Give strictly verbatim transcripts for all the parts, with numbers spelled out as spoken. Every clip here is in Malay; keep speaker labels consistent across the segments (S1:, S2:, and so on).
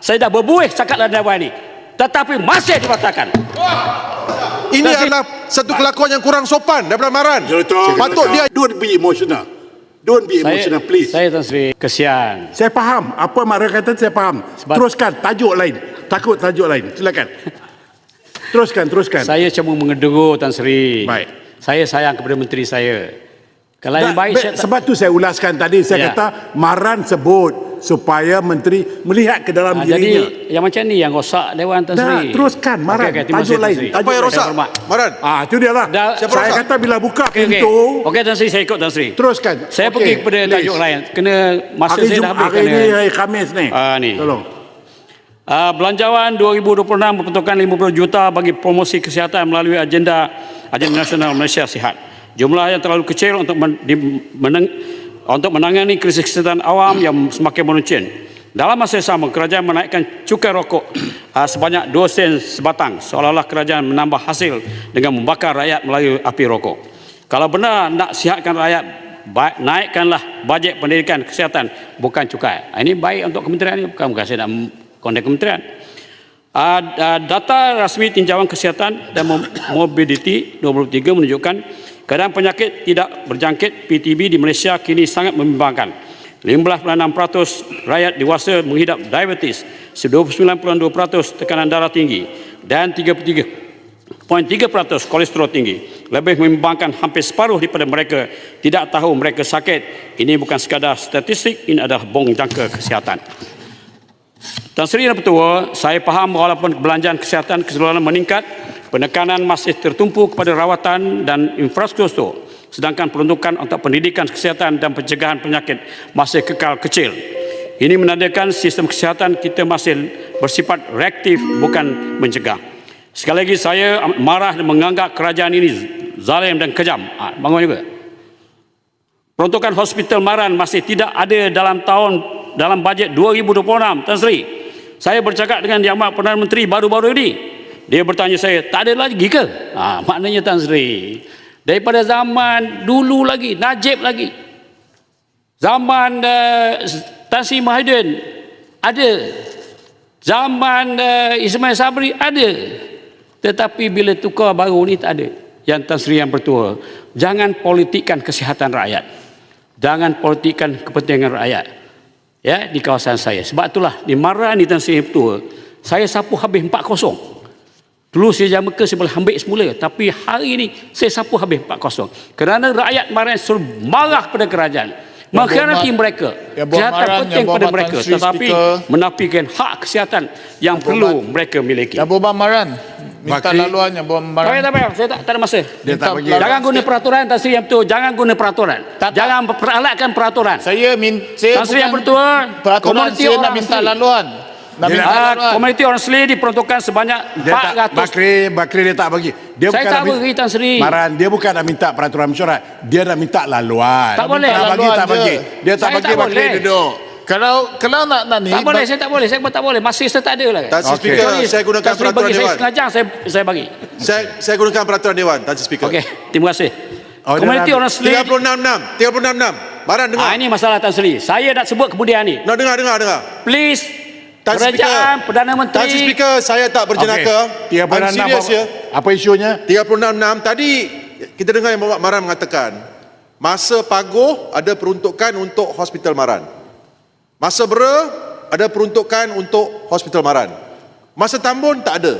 S1: Saya dah berbuih cakap dalam dewan ini, tetapi masih dibatalkan.
S2: Ini adalah satu kelakuan yang kurang sopan daripada Maran. Patut dia.
S3: Don't be emotional. Don't be emotional,
S1: Saya,
S3: please.
S1: saya Tan Sri, kesian.
S3: Saya faham apa Maran kata, saya faham.
S1: Sebab-
S3: Teruskan tajuk lain. Takut tajuk lain. Silakan. Teruskan, teruskan.
S1: Saya cuma mengeduru Tan Sri.
S3: Baik.
S1: Saya sayang kepada menteri saya. Kalau yang
S3: Tak,
S1: baik
S3: be-
S1: saya tak,
S3: sebab tu saya ulaskan tadi, saya
S1: Ya.
S3: kata Maran sebut supaya menteri melihat ke dalam
S1: Ah,
S3: dirinya.
S1: jadi yang macam ni yang rosak Dewan Tan
S3: Dah,
S1: Sri.
S3: teruskan Maran.
S1: Okey, okey, terima
S3: Tajuk
S1: kasih, Tan
S3: lain.
S1: Sri.
S3: Tajuk
S2: Apa yang
S3: lain.
S2: rosak?
S1: hormat.
S2: Maran.
S3: Ah, itu dia lah.
S1: Dah,
S3: Saya
S2: siapa rosak?
S3: kata bila buka
S1: Okey, okey.
S3: pintu,
S1: Okey Tan Sri, saya ikut Tan Sri.
S3: teruskan.
S1: Saya
S3: Okey,
S1: pergi kepada
S3: please.
S1: tajuk lain. Kena masa
S3: Hari,
S1: saya
S3: Jum-
S1: dah habis.
S3: hari
S1: kena.
S3: ini hari Khamis ni.
S1: Ah, ni.
S3: Tolong.
S1: Uh, belanjawan dua ribu dua puluh enam memperuntukkan lima puluh juta bagi promosi kesihatan melalui agenda agenda nasional Malaysia Sihat. Jumlah yang terlalu kecil untuk men, di, meneng, untuk menangani krisis kesihatan awam yang semakin meruncing. Dalam masa yang sama, kerajaan menaikkan cukai rokok uh, sebanyak dua sen sebatang, seolah-olah kerajaan menambah hasil dengan membakar rakyat melalui api rokok. Kalau benar nak sihatkan rakyat, ba- naikkanlah bajet pendidikan kesihatan, bukan cukai. Uh, ini baik untuk kementerian ini, bukan, bukan saya nak konteks kementerian. Uh, uh, data rasmi tinjauan kesihatan dan morbidity dua ribu tiga menunjukkan keadaan penyakit tidak berjangkit P T B di Malaysia kini sangat membimbangkan. lima belas perpuluhan enam peratus rakyat dewasa menghidap diabetes, dua puluh sembilan perpuluhan dua peratus tekanan darah tinggi dan tiga puluh tiga perpuluhan tiga peratus kolesterol tinggi. Lebih membimbangkan, hampir separuh daripada mereka tidak tahu mereka sakit. Ini bukan sekadar statistik, ini adalah bong jangka kesihatan. Tan Sri dan Petua, saya faham walaupun belanjaan kesihatan keseluruhan meningkat, penekanan masih tertumpu kepada rawatan dan infrastruktur, sedangkan peruntukan untuk pendidikan kesihatan dan pencegahan penyakit masih kekal kecil. Ini menandakan sistem kesihatan kita masih bersifat reaktif, bukan mencegah. Sekali lagi saya marah dan menganggap kerajaan ini zalim dan kejam. Ha, bangun juga. Peruntukan hospital Maran masih tidak ada dalam tahun dalam bajet dua ribu dua puluh enam, Tan Sri. Saya bercakap dengan Yang Amat Perdana Menteri baru-baru ini. Dia bertanya saya, tak ada lagi ke? Ha, maknanya Tan Sri, daripada zaman dulu lagi, Najib lagi, zaman uh, Tan Sri Mahidin ada, zaman uh, Ismail Sabri ada, tetapi bila tukar baru ni tak ada. Yang Tan Sri Yang Bertua, jangan politikkan kesihatan rakyat, jangan politikkan kepentingan rakyat, ya, di kawasan saya. Sebab itulah di Maran ni Tan Sri Yang Bertua, saya sapu habis empat kosong. Dulu saya jam ke saya boleh ambil semula, tapi hari ini saya sapu habis empat kosong. Kerana rakyat Maran selalu marah pada kerajaan, mengkhianati mereka. Kesihatan penting pada mereka, tetapi menafikan hak kesihatan yang perlu mereka miliki.
S4: Ya Boban Maran, minta
S3: Bakri.
S4: laluan ya Boban Maran.
S1: Tak payah, saya tak, tak ada masa.
S3: Dia tak bagi.
S1: Jangan guna peraturan, Tan Sri Yang Bertua. Jangan guna peraturan.
S4: Tak, tak.
S1: Jangan peralatkan peraturan.
S4: Saya min, saya
S1: Tan Sri Yang
S4: bukan
S1: Bertua,
S4: peraturan,
S1: komuniti
S4: saya nak
S1: orang
S4: minta
S1: asli.
S4: laluan. Nak
S3: Dia
S4: minta
S1: Ah,
S4: laluan.
S1: komuniti orang asli diperuntukkan sebanyak
S3: Dia
S1: empat
S3: tak,
S1: ratus.
S3: Bakri, Bakri dia tak bagi. Dia
S1: Saya
S3: bukan
S1: tak
S3: nak min-
S1: bagi, Tan Sri.
S3: Maran, dia bukan nak minta peraturan mesyuarat. Dia nak minta laluan.
S1: Tak boleh.
S3: Tak bagi,
S4: Laluan
S3: tak
S4: je.
S3: bagi. Dia tak
S1: Saya
S3: bagi,
S1: tak
S3: Bakri
S1: boleh.
S3: duduk.
S4: Kalau kalau nak nak ni
S1: Tak boleh,
S4: ba-
S1: saya tak boleh. Saya pun tak boleh. Masih saya tak ada lah.
S2: Tan Sri
S3: Okey.
S2: Speaker,
S1: Sorry,
S2: saya gunakan
S1: Tan Sri
S2: peraturan
S1: bagi, saya
S2: Dewan.
S1: sengaja saya, saya bagi.
S2: Saya saya gunakan peraturan Dewan, Tan Sri Speaker.
S1: Okey, terima kasih.
S3: Oh, dia
S1: Komuniti
S3: dah-
S1: orang asli.
S2: tiga puluh enam enam, tiga puluh enam enam. Maran dengar.
S1: Ah, ini masalah Tan Sri. Saya nak sebut kemudian ni.
S2: Nak dengar dengar dengar.
S1: Please,
S2: Tan Sri Speaker.
S1: kerajaan Perdana Menteri.
S2: Tan Sri Speaker, saya tak berjenaka.
S3: Okey.
S2: I'm
S3: tiga puluh enam
S2: serious
S3: apa,
S2: ya.
S3: apa isunya?
S2: tiga puluh enam enam tadi kita dengar yang Bapak Maran mengatakan masa paguh ada peruntukan untuk Hospital Maran. Masa bera ada peruntukan untuk Hospital Maran. Masa Tambun tak ada.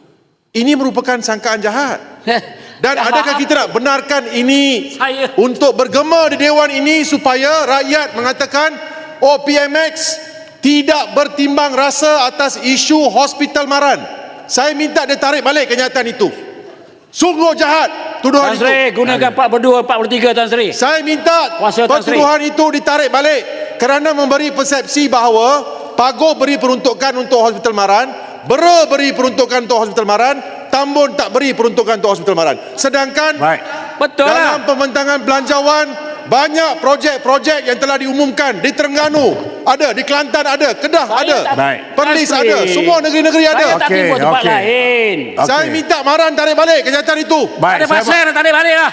S2: Ini merupakan sangkaan jahat. Dan
S1: Jahat.
S2: adakah kita nak benarkan ini
S1: Saya-
S2: untuk bergema di Dewan ini supaya rakyat mengatakan oh P M X tidak bertimbang rasa atas isu Hospital Maran. Saya minta dia tarik balik kenyataan itu. Sungguh jahat tuduhan
S1: Tan
S2: itu.
S1: Sri, gunakan empat puluh dua, empat puluh tiga Tan Sri.
S2: Saya minta
S1: Kuasa Tan Sri.
S2: pertuduhan itu ditarik balik kerana memberi persepsi bahawa Paguh beri peruntukan untuk Hospital Maran, Bera beri peruntukan untuk Hospital Maran, Tambun tak beri peruntukan untuk Hospital Maran. Sedangkan
S3: Baik.
S1: Betul
S2: dalam
S1: lah.
S2: pembentangan belanjawan banyak projek-projek yang telah diumumkan di Terengganu ada, di Kelantan ada, Kedah
S1: Saya
S2: ada,
S1: tak-
S3: Baik.
S2: Perlis
S1: Tan Sri,
S2: ada, semua negeri-negeri ada.
S1: Saya tak
S3: Okey,
S1: timbul tempat
S3: okey.
S1: lain.
S3: Okey.
S2: Saya minta Maran tarik balik kenyataan itu.
S3: Baik,
S1: Ada
S3: saya,
S1: pasal tak ada balik lah.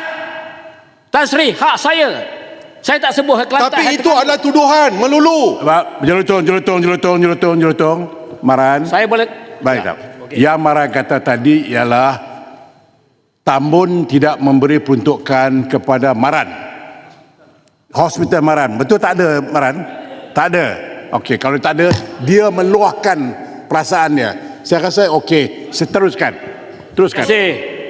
S1: Tan Sri, hak saya. Saya tak sebut hak Kelantan.
S2: Tapi
S1: hak
S2: itu
S1: Terengganu.
S2: adalah tuduhan melulu.
S3: Ba- Jelutong, jelutong, jelutong, jelutong, jelutong. Maran.
S1: Saya boleh
S3: Baik,
S1: Ya,
S3: tak. Yang Maran kata tadi ialah Tambun tidak memberi peruntukan kepada Maran. Hospital Maran. Betul tak ada, Maran? Tak ada. Okey, kalau tak ada, dia meluahkan perasaan dia. Saya rasa okey, seteruskan. Teruskan.
S1: Terima kasih.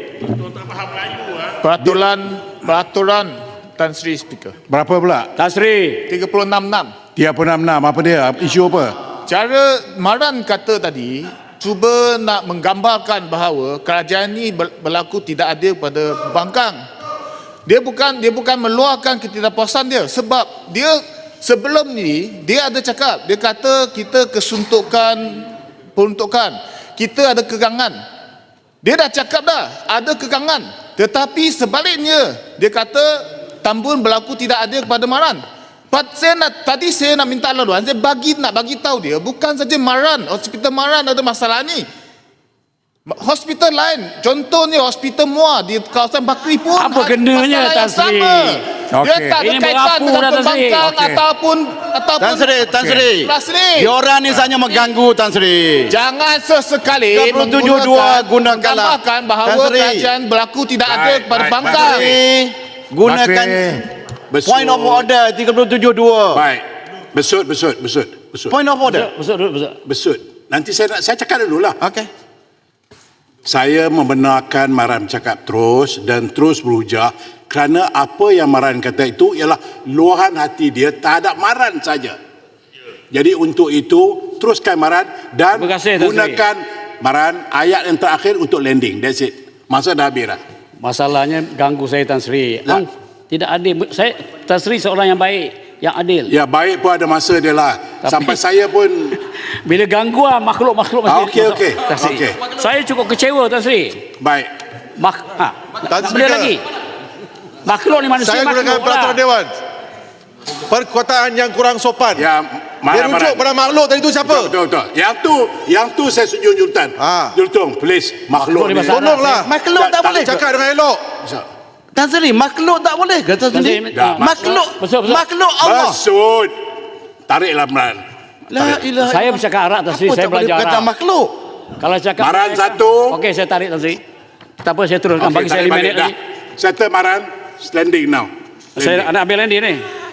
S4: Peraturan peraturan Tan Sri Speaker.
S3: Berapa pula?
S1: Tan Sri.
S4: tiga puluh enam enam.
S3: tiga puluh enam enam. Apa dia? Isu apa?
S4: Cara Maran kata tadi cuba nak menggambarkan bahawa kerajaan ini ber- berlaku tidak adil pada pembangkang. Dia bukan dia bukan meluahkan ketidakpuasan dia sebab dia sebelum ni dia ada cakap, dia kata kita kesuntukan peruntukan, kita ada kekangan. Dia dah cakap dah ada kekangan, tetapi sebaliknya dia kata Tambun berlaku tidak adil kepada Maran. But saya nak, tadi saya nak minta laluan, saya bagi nak bagi tahu dia bukan saja Maran, hospital Maran ada masalah ni. Hospital lain, contohnya hospital Muar di kawasan Bakri pun
S1: Apa
S4: ada
S1: kenanya,
S4: masalah
S1: Tan
S4: yang
S1: Sri?
S4: sama. Dia
S3: Okey.
S4: tak ada
S1: Ini
S4: kaitan
S1: merapu
S4: dengan
S1: dah, Tan Sri.
S4: pembangkang
S3: Okey.
S4: ataupun ataupun
S5: Tan Sri, Tan Sri.
S4: Tan Sri.
S5: Diorang ni hanya mengganggu Tan Sri.
S4: Jangan sesekali
S5: tiga puluh tujuh dua gunakanlah.
S4: menggambarkan bahawa
S5: Tan Sri.
S4: kerajaan berlaku tidak
S3: Baik,
S4: adil kepada
S3: baik,
S4: bangkang.
S5: Sri, gunakan
S3: Besut.
S5: point of order tiga puluh tujuh dua.
S3: Baik. Besut, besut, besut, besut.
S5: Point of order.
S1: Besok dulu, besok.
S3: Besut. Nanti saya nak saya cakap dululah.
S5: Okey.
S3: Saya membenarkan Maran cakap terus dan terus berujar kerana apa yang Maran kata itu ialah luahan hati dia terhadap Maran saja. Jadi untuk itu teruskan Maran dan
S1: Terima kasih, Tan Sri.
S3: gunakan Maran ayat yang terakhir untuk landing. That's it. Masa dah habis dah.
S1: Masalahnya ganggu saya Tan Sri.
S3: Tak.
S1: Ang, tidak adil. Saya Tan Sri seorang yang baik, yang adil.
S3: Ya baik pun ada masa dia lah.
S1: Tapi-
S3: Sampai saya pun
S1: Bila ganggu ah, makhluk-makhluk
S3: Ah,
S1: macam
S3: okey, okey.
S1: Tan Sri.
S3: Okey.
S1: Saya cukup kecewa Tan Sri.
S3: baik.
S1: Mak, ha,
S2: Tan
S1: tak
S2: Sri
S1: boleh
S2: ke?
S1: lagi. Makhluk ni manusia
S2: Saya gunakan
S1: makhluk
S2: peraturan
S1: lah.
S2: Dewan. Perkataan yang kurang sopan.
S3: Ya
S2: Dia
S3: Maran,
S2: rujuk
S3: Maran.
S2: pada makhluk tadi tu siapa?
S3: Betul, betul, betul. Yang tu, yang tu saya setuju Jultan.
S2: Ah.
S3: Jultung, please. Makhluk
S1: Makhluk
S3: ni.
S1: ni masalah.
S2: Tolonglah.
S5: Makhluk tak boleh ke?
S2: Cakap dengan elok.
S5: Tan Sri, makhluk tak boleh ke Tan
S1: Tan
S5: Sri?
S1: Sri,
S3: Dah,
S5: Makhluk,
S1: Betul, betul.
S5: makhluk Allah.
S3: Besut. Tariklah Maran.
S5: La ilaha
S1: Saya bercakap Arab Tan Sri,
S5: Apa
S1: saya
S5: tak boleh
S1: belajar
S5: kata
S1: Arab.
S5: makhluk?
S1: Kalau cakap
S3: Maran satu.
S1: Okey, saya tarik Tan Sri. Tak apa, saya turunkan.
S3: Okey,
S1: Bagi saya
S3: tarik
S1: lima
S3: balik
S1: minit
S3: dah.
S1: lagi.
S3: Settle Maran. Standing now.
S1: Saya nak ambil landing ni.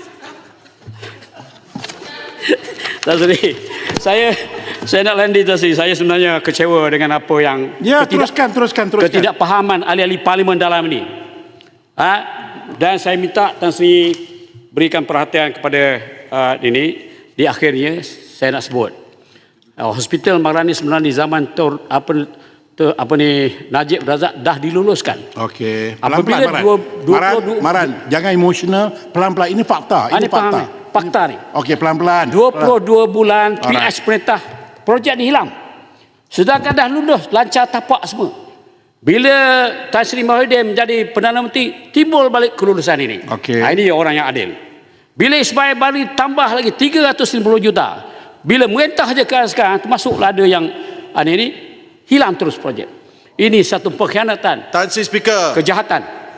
S1: Tan Sri, saya saya nak landing Tan Sri. Saya sebenarnya kecewa dengan apa yang
S3: Ya,
S1: ketidak-
S3: teruskan, teruskan, teruskan.
S1: ketidakpahaman ahli-ahli parlimen dalam ini. Ha? Dan saya minta Tan Sri berikan perhatian kepada uh, ini. Di akhirnya saya nak sebut uh, Hospital Maran ni sebenarnya di zaman tur, apa tu, apa ni Najib Razak dah diluluskan.
S3: Okey.
S1: Apabila
S3: Pelan-pelan, Maran.
S1: dua- dua
S3: Maran,
S1: puluh dua-
S3: Maran, jangan emosional. Pelan-pelan. Ini fakta.
S1: Ah,
S3: Ini
S1: ni faham
S3: fakta.
S1: ni. Fakta ni.
S3: Okey, pelan-pelan.
S1: dua puluh dua bulan P
S3: Alright.
S1: H perintah projek ni hilang. Sedangkan dah lulus lancar tapak semua. Bila Tan Sri Mahyudin menjadi Perdana Menteri, timbul balik kelulusan ini.
S3: Okey.
S1: Ha, ini orang yang adil. Bila Ismail Bari tambah lagi tiga ratus lima puluh juta. Bila merintah je sekarang, sekarang termasuklah ada yang ha, ini, ini hilang terus projek. Ini satu pengkhianatan,
S2: Tan Sri Speaker.
S1: kejahatan.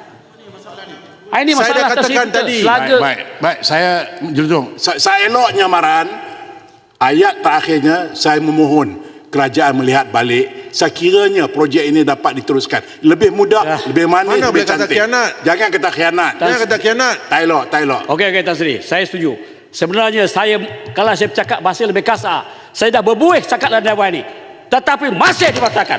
S1: Ha, ini
S2: Saya dah
S1: masalah Tan Sri
S2: katakan
S1: kita.
S2: tadi.
S1: Selaga
S3: Baik, baik, baik. Saya Jultung, saya, saya eloknya Maran. Ayat terakhirnya saya memohon kerajaan melihat balik. Sekiranya projek ini dapat diteruskan lebih mudah,
S1: Dah.
S3: lebih manis,
S2: Mana
S3: lebih
S2: boleh kata
S3: cantik.
S2: khianat?
S3: Jangan kata khianat.
S2: Jangan kata khianat.
S3: Tak elok, tak elok.
S1: Okey, okey Tan Sri, saya setuju. Sebenarnya saya kalau saya bercakap bahasa lebih kasar, saya dah berbuih cakap dalam dewan ini. Tetapi masih dibatalkan.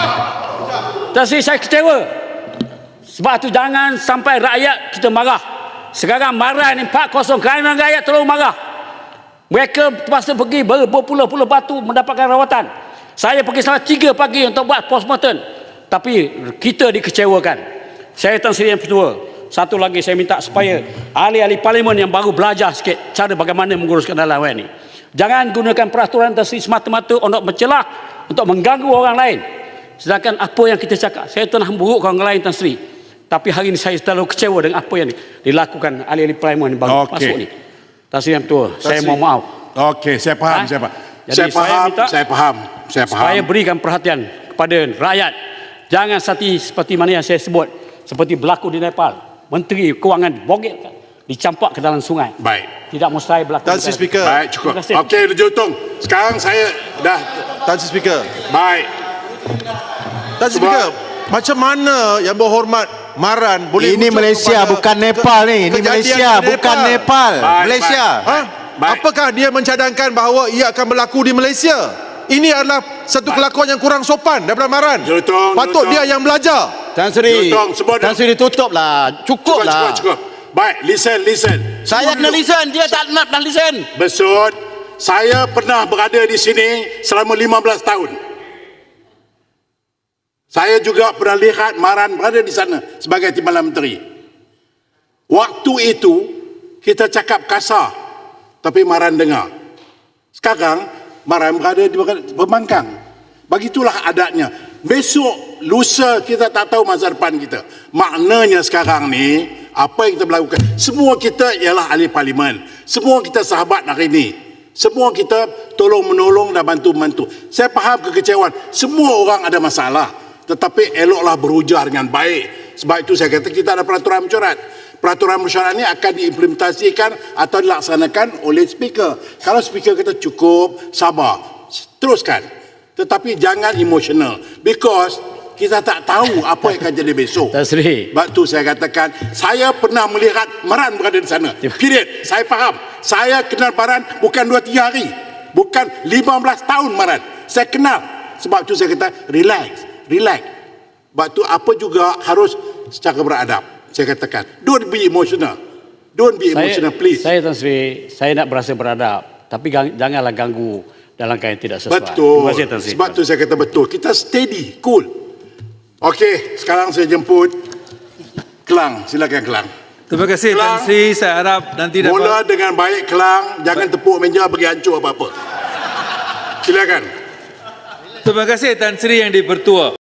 S1: Tan Sri, saya kecewa. Sebab tu jangan sampai rakyat kita marah. Sekarang marah ni empat kosong kerana rakyat terlalu marah. Mereka terpaksa pergi ber- berpuluh-puluh batu mendapatkan rawatan. Saya pergi sampai tiga pagi untuk buat postmortem. Tapi kita dikecewakan. Saya Tan Sri yang kedua. Satu lagi saya minta supaya ahli-ahli parlimen yang baru belajar sikit cara bagaimana menguruskan dalam dewan ini. Jangan gunakan peraturan Tan Sri semata-mata untuk mencelah, untuk mengganggu orang lain. Sedangkan apa yang kita cakap, saya pernah buruk orang lain Tan Sri. Tapi hari ini saya terlalu kecewa dengan apa yang dilakukan ahli-ahli parlimen yang baru
S3: Okey.
S1: masuk ni. Tan Sri yang kedua, saya
S2: Sri.
S1: mohon maaf.
S3: Okey, saya faham,
S1: Ha?
S3: saya faham.
S1: Jadi
S3: Saya
S1: saya
S3: faham,
S1: minta
S3: saya faham. Saya faham.
S1: Supaya berikan perhatian kepada rakyat. Jangan seperti, seperti mana yang saya sebut. Seperti berlaku di Nepal. Menteri Kewangan bogel. dicampak ke dalam sungai.
S3: Baik.
S1: Tidak mustahil berlaku.
S2: Tan Sri
S1: negara.
S2: Speaker.
S3: Baik, cukup.
S1: Terima kasih.
S3: Okey, Raja Utong. Sekarang saya dah
S2: Tan Sri Speaker.
S3: baik.
S2: Tan Sri Speaker, macam mana yang berhormat Maran boleh
S5: Ini
S2: rujuk
S5: Malaysia,
S2: kepada
S5: bukan Nepal ni. Ini
S2: kejadian
S5: Malaysia,
S2: di
S5: bukan Nepal.
S3: Baik,
S5: Malaysia.
S2: Ha?
S3: Baik.
S2: Apakah dia mencadangkan bahawa ia akan berlaku di Malaysia? Ini adalah satu kelakuan yang kurang sopan daripada Maran.
S3: Jelutong,
S2: Patut
S3: jelutong.
S2: dia yang belajar.
S5: Tan Sri,
S3: Jutong, semua
S5: Tan Sri tutup lah. Cukup
S3: Cukup,
S5: lah.
S3: cukup, cukup. Baik, listen, listen.
S5: Saya kena listen, dia tak nak nak listen.
S3: Besut, saya pernah berada di sini selama lima belas tahun. Saya juga pernah lihat Maran berada di sana sebagai Timbalan Menteri. Waktu itu, kita cakap kasar, tapi Maran dengar. Sekarang, Maran berada di pembangkang. Begitulah adatnya. Besok, lusa kita tak tahu masa depan kita. Maknanya sekarang ni, apa yang kita melakukan, semua kita ialah ahli parlimen. Semua kita sahabat hari ini. Semua kita tolong menolong dan bantu-membantu. Saya faham kekecewaan. Semua orang ada masalah. Tetapi eloklah berujar dengan baik. Sebab itu saya kata kita ada peraturan mesyuarat. Peraturan mesyuarat ini akan diimplementasikan atau dilaksanakan oleh speaker. Kalau speaker kata cukup, sabar, teruskan. Tetapi jangan emosional. Because kita tak tahu apa yang akan jadi besok.
S1: Tan Sri.
S3: Sebab tu saya katakan, saya pernah melihat Maran berada di sana. Period. Saya faham. Saya kenal Maran bukan dua tiga hari. Bukan lima belas tahun Maran. Saya kenal. Sebab tu saya kata, relax. Relax. Sebab tu apa juga harus secara beradab. Saya katakan, don't be emotional. Don't be emotional,
S1: Saya,
S3: please.
S1: saya Tan Sri, saya nak berasa beradab. Tapi gang, janganlah ganggu dalam keadaan tidak sesuai.
S3: Betul.
S1: Terima kasih Tan Sri.
S3: Sebab tu saya kata betul. Kita steady, cool. Okey, sekarang saya jemput Kelang. Silakan Kelang.
S6: Terima kasih
S3: Kelang.
S6: Tan Sri. Saya harap nanti dapat.
S3: Mula dengan baik Kelang, jangan tepuk meja bagi hancur apa-apa. Silakan.
S6: Terima kasih Tan Sri yang dipertua.